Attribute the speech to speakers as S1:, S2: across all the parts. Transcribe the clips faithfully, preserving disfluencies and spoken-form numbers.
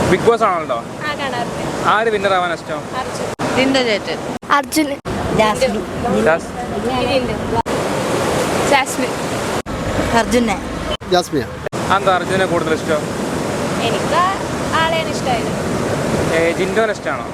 S1: Big boss ആണല്ലോ. ആര് winner ആവാൻ ഇഷ്ടം?
S2: അർജുൻ.
S3: അർജുനെ.
S1: എന്താ അർജുനെ കൂടുതൽ ഇഷ്ടം?
S2: എനിക്ക് ആളെയാണ് ഇഷ്ടമായത്.
S1: ജിൻഡോനെ ഇഷ്ടമാണോ?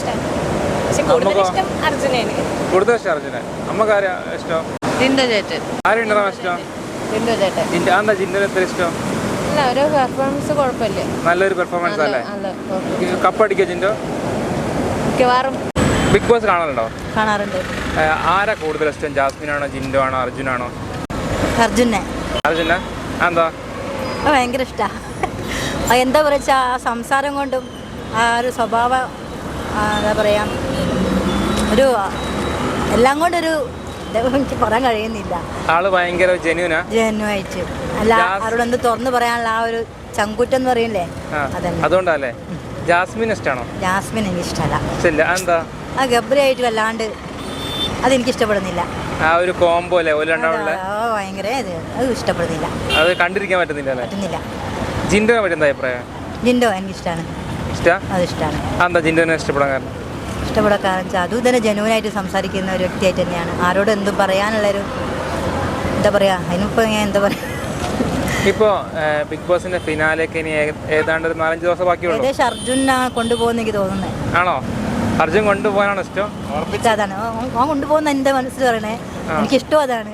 S2: കൂടുതൽ ഇഷ്ടം അർജുനാണ്.
S1: കൂടുതൽ ഇഷ്ടം അർജുനെ. അമ്മക്ക് ആരാ ഇഷ്ടം? ആര് വിന്നർ ആവാൻ ഇഷ്ടം? എന്താ ജിൻഡോനെ എത്ര ഇഷ്ടം?
S2: ഒരു പെർഫോമൻസ് കുഴപ്പമില്ല,
S1: നല്ലൊരു പെർഫോമൻസ് അല്ലേ? കപ്പടിക്കോ ജിൻഡോ?
S2: മിക്കവാറും.
S1: ബിഗ് ബോസ് കാണലുണ്ടോ?
S3: കാണാറുണ്ട്.
S1: ആരാ കൂടുതൽ ഇഷ്ടം? ജാസ്മിനാണോ, ജിൻഡോ ആണോ, അർജുനാണോ?
S3: അർജുനെ.
S1: അർജുന. എന്താ?
S3: ഭയങ്കര ഇഷ്ടമാണ്. എന്താ പറയുക, ആ സംസാരം കൊണ്ടും ആ ഒരു സ്വഭാവം, എന്താ പറയുക, ഒരു എല്ലാം കൊണ്ടൊരു എനിക്ക് പറയാൻ കഴിയുന്നില്ല.
S1: ആള് ഭയങ്കര ജെന്യൂനാ.
S3: ജെന്യൂനായിട്ട് അല്ല, ആരോടെന്ത് തുറന്നു പറയാനുള്ള ആ ഒരു ചങ്കൂറ്റം എന്ന് പറയില്ലേ, അതന്നെ.
S1: അതുകൊണ്ടല്ലേ ജാസ്മിൻ ഇഷ്ടമാണോ?
S3: ജാസ്മിൻ എനിക്ക് ഇഷ്ടമല്ല.
S1: എന്താ?
S3: ആ ഗബ്രിയായിട്ട് വല്ലാണ്ട് അതെനിക്ക് ഇഷ്ടപ്പെടുന്നില്ല.
S1: ആ ഒരു കോംബോ അല്ലേ
S3: ഭയങ്കര അത് ഇഷ്ടപ്പെടുന്നില്ല.
S1: അത് കണ്ടിരിക്കാൻ പറ്റുന്നില്ല
S3: പറ്റുന്നില്ല.
S1: ജിൻഡോനെ പറ്റി എന്താ അഭിപ്രായം?
S3: ജിൻഡോ എനിക്ക് ഇഷ്ടമാണ്. അത് ഇഷ്ടമാണ്.
S1: എന്താ ജിൻഡോനെ ഇഷ്ടപ്പെടാൻ കാരണം?
S3: ഇഷ്ടപ്പെടാൻ കാരണം വെച്ചാൽ അതും തന്നെ ജനുവനായിട്ട് സംസാരിക്കുന്ന ഒരു വ്യക്തിയായിട്ട് തന്നെയാണ്. ആരോടും എന്തും പറയാനുള്ളൊരു എന്താ പറയുക, അതിനിപ്പോൾ ഞാൻ എന്താ പറയുക.
S1: ഇപ്പോൾ ബിഗ് ബോസിന്റെ ഫിനാലേക്ക് ഇനി ഏതാണ്ട് ഒരു നാലഞ്ച് ദിവസം ബാക്കിയുള്ളൂ.
S3: ഏകദേശം അർജുനാണ് കൊണ്ടുപോകുന്ന എനിക്ക് തോന്നുന്നത്.
S1: ആണോ? അർജുൻ കൊണ്ടുപോകാനാണ് ഇഷ്ടം?
S3: അതാണ് ഓൻ കൊണ്ടുപോകുന്ന എൻ്റെ മനസ്സിൽ പറയണേ, എനിക്കിഷ്ടം അതാണ്.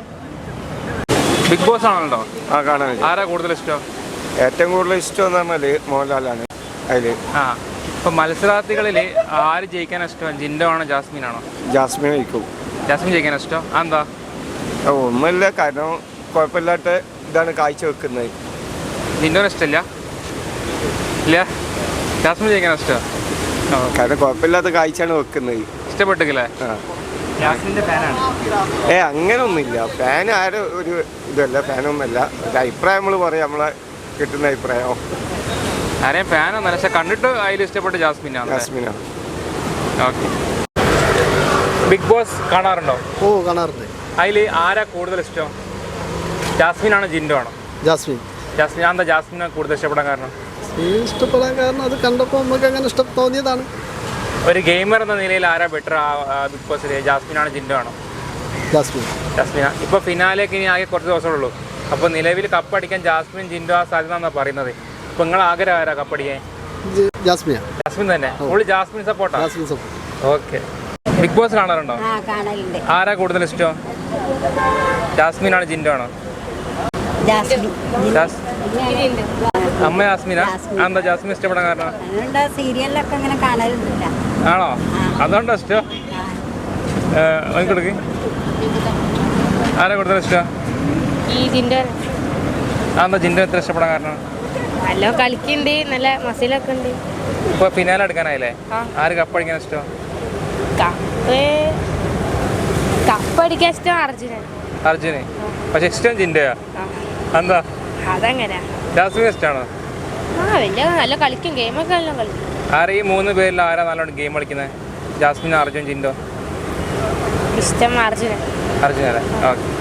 S1: ബിഗ് ബോസ് ആണല്ലോ.
S4: ആ കാണാൻ.
S1: ആരാ കൂടുതൽ ഇഷ്ടം?
S4: ഏറ്റവും കൂടുതൽ ഇഷ്ടം എന്ന് പറഞ്ഞാൽ മോഹൻലാലാണ്. അതിൽ
S1: ആ ഇപ്പം മത്സരാർത്ഥികളിൽ ആര് ജയിക്കാൻ ഇഷ്ടം? ജിൻഡോ ആണോ, ജാസ്മിൻ ആണോ?
S4: ജാസ്മിൻ ജയിക്കും.
S1: ജാസ്മിൻ ജയിക്കാൻ ഇഷ്ടം? എന്താ?
S4: ഒന്നുമില്ല, കാരണം കുഴപ്പമില്ലാത്ത ഇതാണ് കാഴ്ച വെക്കുന്നത്.
S1: ജിൻഡോനെ ഇഷ്ടമില്ല? ഇല്ല, ജാസ്മിൻ ജയിക്കാൻ ഇഷ്ടം.
S4: കാരണം കുഴപ്പമില്ലാത്ത കാഴ്ചയാണ് വെക്കുന്നത്.
S1: ഇഷ്ടപ്പെട്ടില്ലേ? ജാസ്മിൻ്റെ ഫാനാണ്.
S4: ഏ അങ്ങനെ ഒന്നുമില്ല. ഫാൻ ആരും ഒരു ഇതല്ല, ഫാനൊന്നുമല്ല. ഒരു അഭിപ്രായം നമ്മൾ പറയാം, നമ്മളെ കിട്ടുന്ന അഭിപ്രായം.
S1: ആരെയും ഫാനൊന്നും പക്ഷെ കണ്ടിട്ട് അതിൽ ഇഷ്ടപ്പെട്ട് ജാസ്മിനാണ്.
S4: ജാസ്മിനാണ്.
S1: ഓക്കെ. ബിഗ് ബോസ് കാണാറുണ്ടോ?
S5: ഓ കാണാറുണ്ട്.
S1: അതിൽ ആരാ കൂടുതൽ ഇഷ്ടം? ജാസ്മിൻ ആണോ, ജിൻഡോ ആണോ?
S5: ജാസ്മിൻ.
S1: ജാസ്മിൻ. എന്താ ജാസ്മിനെ കൂടുതൽ ഇഷ്ടപ്പെടാൻ കാരണം?
S5: ഇഷ്ടപ്പെടാൻ കാരണം അത് കണ്ടപ്പോൾ നമുക്ക് അങ്ങനെ ഇഷ്ടം തോന്നിയതാണ്.
S1: ഒരു ഗെയിമർ എന്ന നിലയിൽ ആരാ ബെറ്റർ ബിഗ് ബോസിൽ? ജാസ്മിൻ ആണോ, ജിൻഡോ ആണോ?
S5: ജാസ്മിൻ.
S1: ജാസ്മിന. ഇപ്പോൾ ഫിനാലേക്ക് ഇനി ആകെ കുറച്ച് ദിവസമേ ഉള്ളൂ. അപ്പോൾ നിലവിൽ കപ്പടിക്കാൻ ജാസ്മിൻ, ജിൻഡോ ആ സാധ്യത എന്നാണ് പറയുന്നത്. അപ്പോൾ നിങ്ങൾ ആഗ്രഹം ആരാ കപ്പടിക്കാൻ?
S5: ജാസ്മിൻ.
S1: ജാസ്മിൻ തന്നെ. ഫുൾ ജാസ്മിൻ സപ്പോർട്ടാണ്.
S5: Jasmine support.
S1: Okay. Bigg Boss കാണാറുണ്ടോ? ആരാ കൂടുതൽ ഇഷ്ടം? ജാസ്മിൻ ആണോ, ജിൻഡോ ആണോ? അമ്മ ജാസ്മിനാ. എന്താ ജാസ്മിൻ ഇഷ്ടപ്പെടാൻ കാരണം?
S3: സീരിയലിലൊക്കെ അങ്ങനെ കാണലുന്നില്ല.
S1: ആണോ? അതുകൊണ്ടോ ഇഷ്ടം? കൊടുക്ക്. ആരാ കൂടുതൽ ഇഷ്ടം? എന്താ ജിൻഡോ എത്ര ഇഷ്ടപ്പെടാൻ കാരണം?
S2: നല്ല കളിക്കുന്നുണ്ട്, നല്ല മസിലൊക്കെ ഉണ്ട്.
S1: ഇപ്പൊ ഫിനാലെ എടുക്കാനായില്ലേ? ആര് കപ്പടിക്കാൻ ഇഷ്ടം?
S2: കപ്പ് കപ്പടിക്കാൻ ഇഷ്ടം അർജുനാണ്.
S1: അർജുന്. പക്ഷെ ഇഷ്ടം ജിൻഡോയാ. എന്താ?
S2: അതങ്ങനെ.
S1: ജാസ്മിൻ ഇഷ്ടമാണോ?
S2: ആ വലിയ നല്ല കളിക്കും, ഗെയിമൊക്കെ നല്ല കളിക്കും.
S1: ആരാ ഈ മൂന്ന് പേരിൽ ആരാ നല്ലോണം ഗെയിം കളിക്കുന്നത്? ജാസ്മിൻ, അർജുൻ, ജിൻഡോ?
S2: ഇഷ്ടം അർജുന.
S1: അർജുനല്ലേ? ഓക്കെ.